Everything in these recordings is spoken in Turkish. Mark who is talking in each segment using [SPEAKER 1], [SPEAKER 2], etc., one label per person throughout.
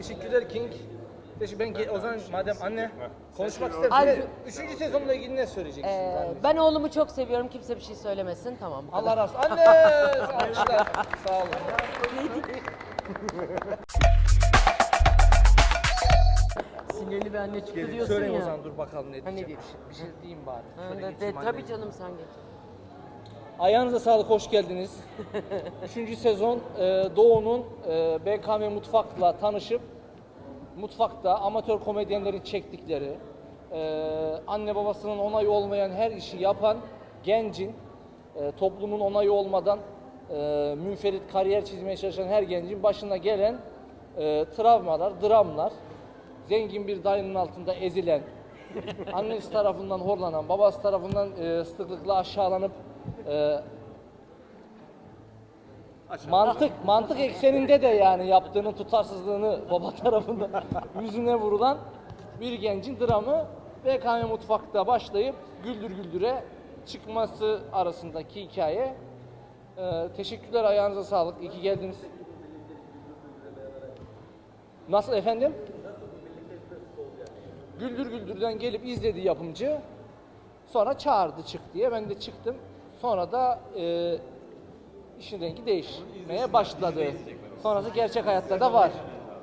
[SPEAKER 1] Teşekkürler King. O zaman madem anne konuşmak
[SPEAKER 2] Ay,
[SPEAKER 1] istersen 3. sezonla ilgili ne söyleyeceksin?
[SPEAKER 2] Ben oğlumu çok seviyorum. Kimse bir şey söylemesin. Tamam. Bu
[SPEAKER 1] Allah razı olsun. Anne! Alkışlar. Sağ olun.
[SPEAKER 2] Sinirli bir anne çıktı diyorsun
[SPEAKER 1] Söyleyeyim o
[SPEAKER 2] ya.
[SPEAKER 1] zaman dur bakalım ne diyeceğim.
[SPEAKER 2] diyorsun?
[SPEAKER 1] Bir şey diyeyim bari.
[SPEAKER 2] Ha,
[SPEAKER 1] Şöyle
[SPEAKER 2] de,
[SPEAKER 1] geçeyim
[SPEAKER 2] tabii
[SPEAKER 1] anneciğim.
[SPEAKER 2] canım sen geç.
[SPEAKER 1] Ayağınıza sağlık, hoş geldiniz. 3. sezon Doğu'nun BKM Mutfak'la tanışıp mutfakta amatör komedyenlerin çektikleri, anne babasının onayı olmayan her işi yapan gencin, toplumun onayı olmadan münferit kariyer çizmeye çalışan her gencin başına gelen travmalar, dramlar, zengin bir dayının altında ezilen, annesi tarafından horlanan, babası tarafından sıklıkla aşağılanıp mantık ekseninde de yani yaptığının tutarsızlığını baba tarafından yüzüne vurulan bir gencin dramı BKM Mutfak'ta başlayıp Güldür Güldür'e çıkması arasındaki hikaye. Teşekkürler, ayağınıza sağlık. İyi ki geldiniz. Nasıl efendim? Güldür Güldür'den gelip izledi yapımcı. Sonra çağırdı çık diye. Ben de çıktım. Sonra da işin rengi değişmeye başladı. Sonrası gerçek hayatta da var.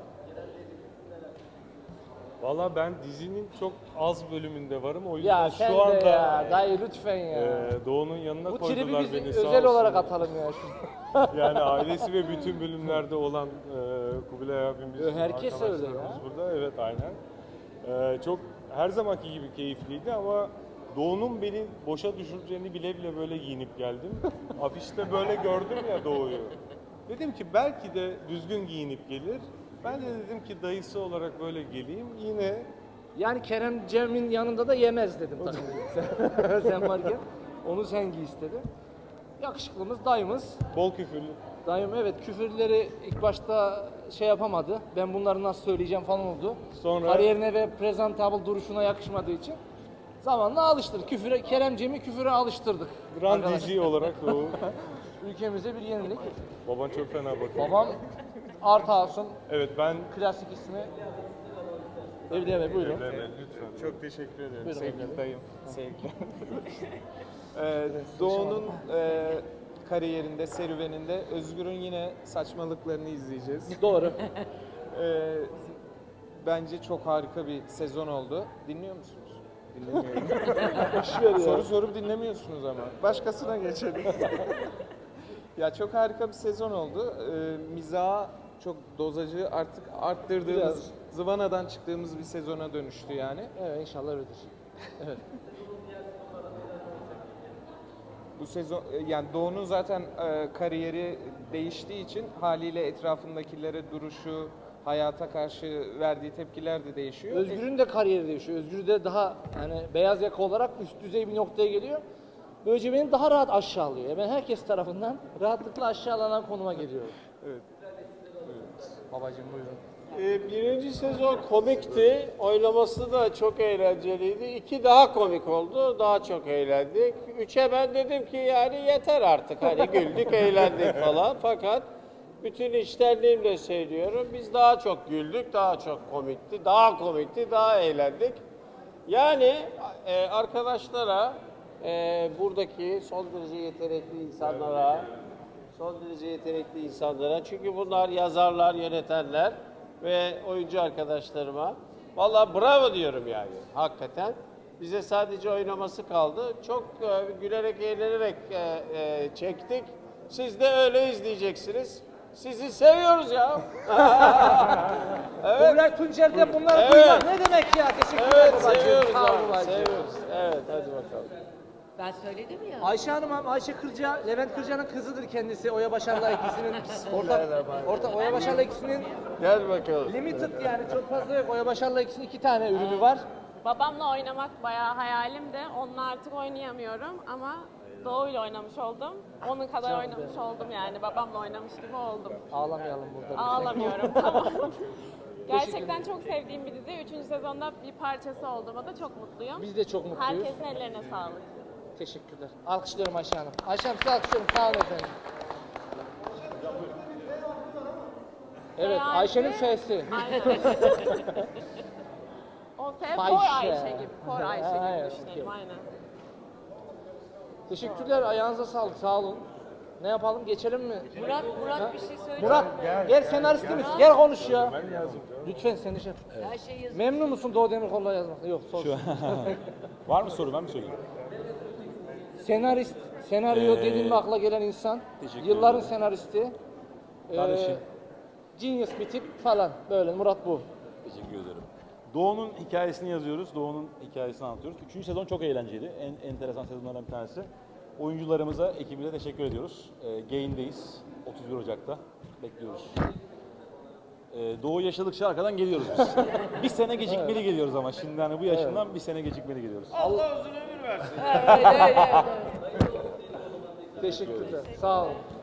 [SPEAKER 3] Valla ben dizinin çok az bölümünde varım. O yüzden
[SPEAKER 1] Ya sen
[SPEAKER 3] şu
[SPEAKER 1] de
[SPEAKER 3] anda
[SPEAKER 1] ya dayı lütfen ya.
[SPEAKER 3] Doğu'nun yanına
[SPEAKER 1] Bu tribi
[SPEAKER 3] koydular
[SPEAKER 1] biz
[SPEAKER 3] beni sağ
[SPEAKER 1] özel olarak
[SPEAKER 3] olsun.
[SPEAKER 1] atalım ya.
[SPEAKER 3] Yani ailesi ve bütün bölümlerde olan Kubilay abimiz,
[SPEAKER 1] Herkes öyle
[SPEAKER 3] arkadaşlarımız
[SPEAKER 1] ya.
[SPEAKER 3] burada. Evet aynen. Çok her zamanki gibi keyifliydi ama Doğu'nun beni boşa düşüreceğini bile bile böyle giyinip geldim. Afişte böyle gördüm ya Doğu'yu. Dedim ki belki de düzgün giyinip gelir. Ben de dedim ki dayısı olarak böyle geleyim. Yine
[SPEAKER 1] Yani Kerem Cem'in yanında da yemez dedim tabii. Sen varken onu sen giy istedim. Yakışıklımız dayımız.
[SPEAKER 3] bol küfürlü.
[SPEAKER 1] Dayım evet küfürleri ilk başta şey yapamadı. Ben bunları nasıl söyleyeceğim falan oldu.
[SPEAKER 3] Sonra-
[SPEAKER 1] Kariyerine ve presentable duruşuna yakışmadığı için zamanla alıştırdık. Kerem Cem'i küfüre alıştırdık.
[SPEAKER 3] Grand
[SPEAKER 1] Arkadaşlar.
[SPEAKER 3] DJ olarak Doğu.
[SPEAKER 1] Ülkemize bir yenilik.
[SPEAKER 3] Baban çok fena bakıyor.
[SPEAKER 1] Babam Artasun,
[SPEAKER 3] Evet ben
[SPEAKER 1] klasik ismi. Evleme buyurun.
[SPEAKER 3] Evlenme, lütfen.
[SPEAKER 4] Çok teşekkür ederim
[SPEAKER 1] Buyurun
[SPEAKER 4] sevgili
[SPEAKER 1] efendim.
[SPEAKER 4] dayım. Sevgili. Doğu'nun kariyerinde, serüveninde Özgür'ün yine saçmalıklarını izleyeceğiz.
[SPEAKER 1] Doğru.
[SPEAKER 4] Bence çok harika bir sezon oldu. Dinliyor musunuz? Dinlemiyorum.
[SPEAKER 1] Boşver ya.
[SPEAKER 4] Soru sorup dinlemiyorsunuz ama. Başkasına geçelim. Ya çok harika bir sezon oldu. Mizahı çok dozajı artık arttırdığımız,
[SPEAKER 1] Biraz.
[SPEAKER 4] zıvanadan çıktığımız bir sezona dönüştü yani.
[SPEAKER 1] Evet inşallah öyledir. Evet.
[SPEAKER 4] Bu sezon yani Doğu'nun zaten kariyeri değiştiği için haliyle etrafındakilere duruşu, hayata karşı verdiği tepkiler de değişiyor.
[SPEAKER 1] Özgür'ün de kariyeri değişiyor. Özgür de daha yani beyaz yaka olarak üst düzey bir noktaya geliyor. Böylece beni daha rahat aşağılıyor. Ben herkes tarafından rahatlıkla aşağılanan konuma geliyorum.
[SPEAKER 4] Evet.
[SPEAKER 1] Babacığım buyurun.
[SPEAKER 5] Birinci sezon komikti. Oynaması da çok eğlenceliydi. 2 daha komik oldu. Daha çok eğlendik. 3'e ben dedim ki yani yeter artık. Hani güldük, eğlendik falan. Fakat bütün içtenliğimle söylüyorum. Biz daha çok güldük, daha çok komikti. Daha komikti, daha eğlendik. Yani arkadaşlara, buradaki son derece yetenekli insanlara, çünkü bunlar yazarlar, yönetenler ve oyuncu arkadaşlarıma vallahi bravo diyorum yani hakikaten. Bize sadece oynaması kaldı. Çok gülerek, eğlenerek çektik. Siz de öyle izleyeceksiniz. Sizi seviyoruz ya.
[SPEAKER 1] Kubilay Tuncer'den bunları
[SPEAKER 5] Evet.
[SPEAKER 1] duymak ne demek ya? Teşekkürler
[SPEAKER 5] Evet,
[SPEAKER 1] babacığım.
[SPEAKER 5] seviyoruz
[SPEAKER 1] Sağ ol
[SPEAKER 5] abi,
[SPEAKER 1] babacığım.
[SPEAKER 5] seviyoruz. Evet, hadi bakalım.
[SPEAKER 2] Ben söyledim ya.
[SPEAKER 1] Ayşe Hanım, Ayşe Kırca, Levent Kırca'nın kızıdır kendisi. Oya Başar'la ikisinin ortak Oya Başar'la ikisinin
[SPEAKER 5] Gel bakalım.
[SPEAKER 1] limited yani çok fazla yok. Oya Başar'la ikisinin 2 tane ürünü var.
[SPEAKER 6] Babamla oynamak bayağı hayalimdi. Onunla artık oynayamıyorum ama Doğu'yla oynamış oldum. Onun kadar oynamış oldum yani. Babamla oynamış gibi oldum.
[SPEAKER 1] Ağlamayalım burada.
[SPEAKER 6] Ağlamıyorum tamam. Gerçekten çok sevdiğim bir dizi. 3. sezonda bir parçası olduğuma da çok mutluyum.
[SPEAKER 1] Biz de çok mutluyuz.
[SPEAKER 6] Herkesin ellerine sağlık.
[SPEAKER 1] Teşekkürler. Alkışlıyorum Ayşe Hanım. Ayşe Hanım size alkışlıyorum. Sağ olun efendim. Evet,
[SPEAKER 6] Seyahatçi-
[SPEAKER 1] Ayşe'nin F'si.
[SPEAKER 6] Aynen. O F for
[SPEAKER 1] Fahişe.
[SPEAKER 6] Ayşe gibi. For Ayşe
[SPEAKER 1] Evet,
[SPEAKER 6] gibi düşünelim
[SPEAKER 1] okey.
[SPEAKER 6] aynen.
[SPEAKER 1] Teşekkürler, ayağınıza sağlık, sağ olun. Ne yapalım, geçelim mi?
[SPEAKER 2] Murat bir şey söyle.
[SPEAKER 1] Murat, gel senaristimiz, gel konuş ya.
[SPEAKER 3] Ben yazdım.
[SPEAKER 1] Lütfen seni şey.
[SPEAKER 2] Her şeyi yazın.
[SPEAKER 1] Memnun musun Doğu Demirkol'la yazmakta? Yok, sor.
[SPEAKER 7] Var mı soru, ben mi söyleyeyim?
[SPEAKER 1] Senarist, senaryo dediğin mi akla gelen insan?
[SPEAKER 7] teşekkür
[SPEAKER 1] Yılların
[SPEAKER 7] ederim.
[SPEAKER 1] senaristi.
[SPEAKER 7] Kardeşim.
[SPEAKER 1] Genius bir tip falan, böyle Murat bu.
[SPEAKER 7] Teşekkür ederim. Doğu'nun hikayesini yazıyoruz, Doğu'nun hikayesini anlatıyoruz. Üçüncü sezon çok eğlenceliydi, en enteresan sezonlardan bir tanesi. Oyuncularımıza, ekibimize teşekkür ediyoruz. Gain'deyiz, 31 Ocak'ta bekliyoruz. Doğu yaşadıkça arkadan geliyoruz biz. Bir sene gecikmeli geliyoruz ama şimdi hani bu yaşından bir sene gecikmeli geliyoruz.
[SPEAKER 5] Allah uzun ömür versin.
[SPEAKER 2] Evet, öyle.
[SPEAKER 1] Teşekkürler, sağ olun.